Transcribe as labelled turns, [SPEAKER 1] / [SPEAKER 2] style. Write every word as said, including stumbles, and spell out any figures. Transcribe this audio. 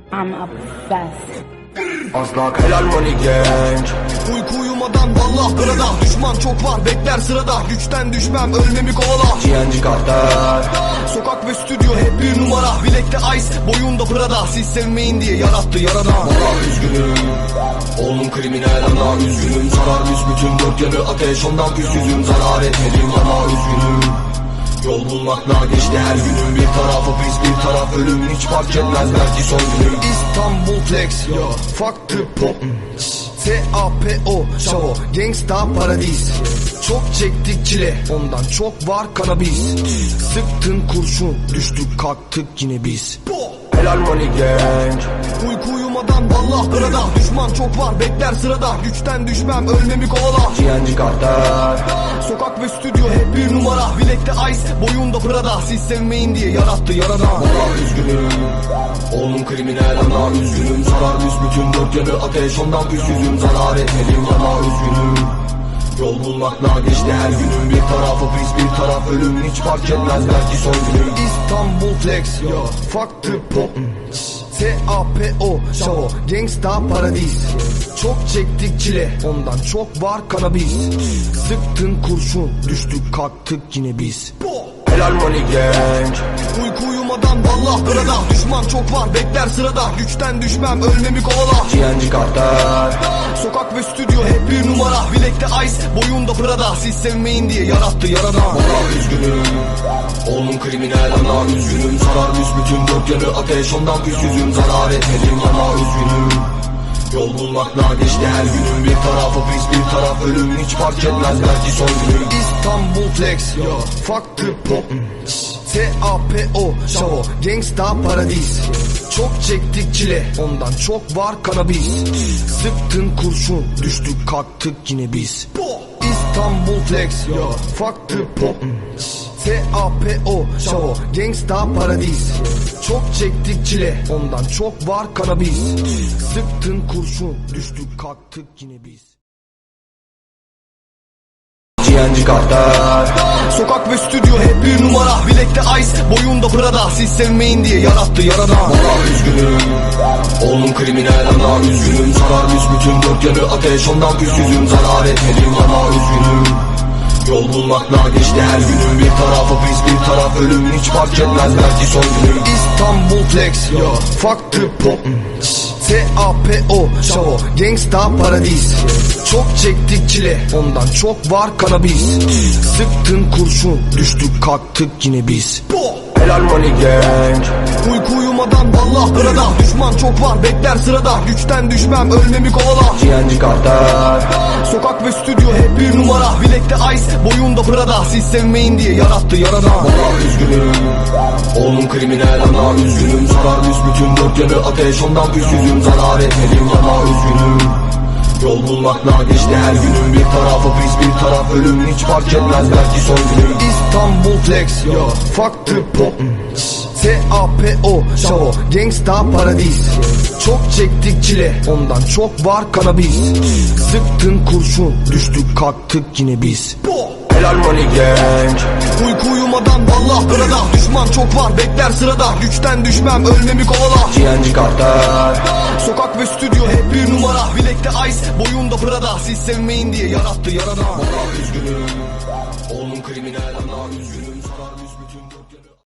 [SPEAKER 1] I'm obsessed.
[SPEAKER 2] Asla helal money gang.
[SPEAKER 3] Uyku uyumadan vallah burada. Düşman çok var bekler sırada. Güçten düşmem ölmemi kovala.
[SPEAKER 2] G N G kartel.
[SPEAKER 3] Sokak ve stüdyo hep bir numara. Bilekte ice boyunda Prada. Siz sevmeyin diye yarattı yaradan.
[SPEAKER 2] Valla üzgünüm. Oğlum kriminal ana üzgünüm. Zarar büsbütün dört yanı ateş. Ondan küsüzüm zarar etmedim yana üzgünüm. Yol bulmakla geçti her günüm. Bir tarafı biz bir taraf ölüm. Hiç fark etmez belki son günüm.
[SPEAKER 3] İstanbul flex yo. Fuck the pop. T A P O Şavo Gangsta paradis. Çok çektik çile ondan çok var kanabis. Sıktın kurşun düştük kalktık yine biz.
[SPEAKER 2] Helal money gang.
[SPEAKER 3] Uyku uyumadan vallah burada. Düşman çok var bekler sırada. Güçten düşmem ölmemi kovala.
[SPEAKER 2] G N G kartel.
[SPEAKER 3] Sokak ve stüdyo hep bir numara. Bilekte ice boyunda Prada. Siz sevmeyin diye yarattı yaradan.
[SPEAKER 2] Valla üzgünüm. Oğlum kriminal ana üzgünüm. Zarar büsbütün dört yanı ateş. Ondan küsüzüm zarar etmedim yana üzgünüm. Yol bulmakla geçti her günüm. Bir tarafı biz bir taraf ölüm. Hiç fark etmez belki son günüm.
[SPEAKER 3] İstanbul flex yo. Fuck the pop. T A P O Şavo Gangsta paradis. Çok çektik çile ondan çok var kanabis. Sıktın kurşun düştük kalktık yine biz.
[SPEAKER 2] Helal money gang.
[SPEAKER 3] Uyku uyumadan vallah burada. Düşman çok var bekler sırada. Güçten düşmem ölmemi kovala.
[SPEAKER 2] G N G kartel.
[SPEAKER 3] Sokak ve stüdyo hep bir numara. Bilekte ice boyunda Prada. Siz sevmeyin diye yarattı yaradan.
[SPEAKER 2] Valla üzgünüm. Oğlum kriminal ana üzgünüm. Zarar büsbütün dört yanı ateş. Ondan küsüzüm zarar etmedim yana üzgünüm. Yol bulmakla geçti her günüm. Bir tarafı biz bir taraf ölüm. Hiç fark etmez belki son günüm.
[SPEAKER 3] İstanbul flex yo. Fuck the pop. T A P O Şavo Gangsta paradis. Çok çektik çile ondan çok var kanabis. Sıktın kurşun düştük kalktık yine biz. İstanbul flex yo. Fuck the pop. T A P O Şavo Gangsta paradis. Çok çektik çile ondan çok var kanabis. Sıktın kurşun düştük kalktık yine biz.
[SPEAKER 2] G N G kartel.
[SPEAKER 3] Sokak ve stüdyo hep bir numara. Bilekte ice boyunda Prada. Siz sevmeyin diye yarattı yaradan.
[SPEAKER 2] Valla üzgünüm. Oğlum kriminal ana üzgünüm. Zarar büsbütün dört yanı ateş. Ondan küsüzüm zarar etmedim yana üzgünüm. Yol bulmakla geçti her günüm. Bir tarafı biz bir taraf ölüm. Hiç fark etmez belki son günüm.
[SPEAKER 3] İstanbul flex yo. Fuck the pop. T A P O Şavo Gangsta paradis. Çok çektik çile ondan çok var kanabis. Sıktın kurşun düştük kalktık yine biz.
[SPEAKER 2] Helal money gang.
[SPEAKER 3] Uyku uyumadan vallah burada. Düşman çok var bekler sırada. Güçten düşmem ölmemi kovala.
[SPEAKER 2] G N G kartel.
[SPEAKER 3] Sokak ve stüdyo hep bir numara. Bilekte ice boyunda Prada. Siz sevmeyin diye yarattı yaradan.
[SPEAKER 2] Valla üzgünüm. Oğlum kriminal ana üzgünüm. Zarar büsbütün dört yanı ateş. Ondan küsüzüm zarar etmedim yana üzgünüm. Yol bulmakla geçti her günüm. Bir tarafı biz bir taraf ölüm. Hiç fark etmez belki son günüm.
[SPEAKER 3] İstanbul flex yo. Fuck the pop. T A P O Şavo Gangsta paradis. Çok çektik çile ondan çok var kanabis. Sıktın kurşun düştük kalktık yine biz.
[SPEAKER 2] Helal money gang.
[SPEAKER 3] Uyku uyumadan vallah burada. Düşman çok var bekler sırada. Güçten düşmem ölmemi kovala.
[SPEAKER 2] G N G kartel.
[SPEAKER 3] Sokak ve stüdyo hep bir numara. Bilekte ice boyunda Prada. Siz sevmeyin diye yarattı yaradan.
[SPEAKER 2] Valla üzgünüm. Oğlum kriminal ana üzgünüm. Zarar büsbütün dört yanı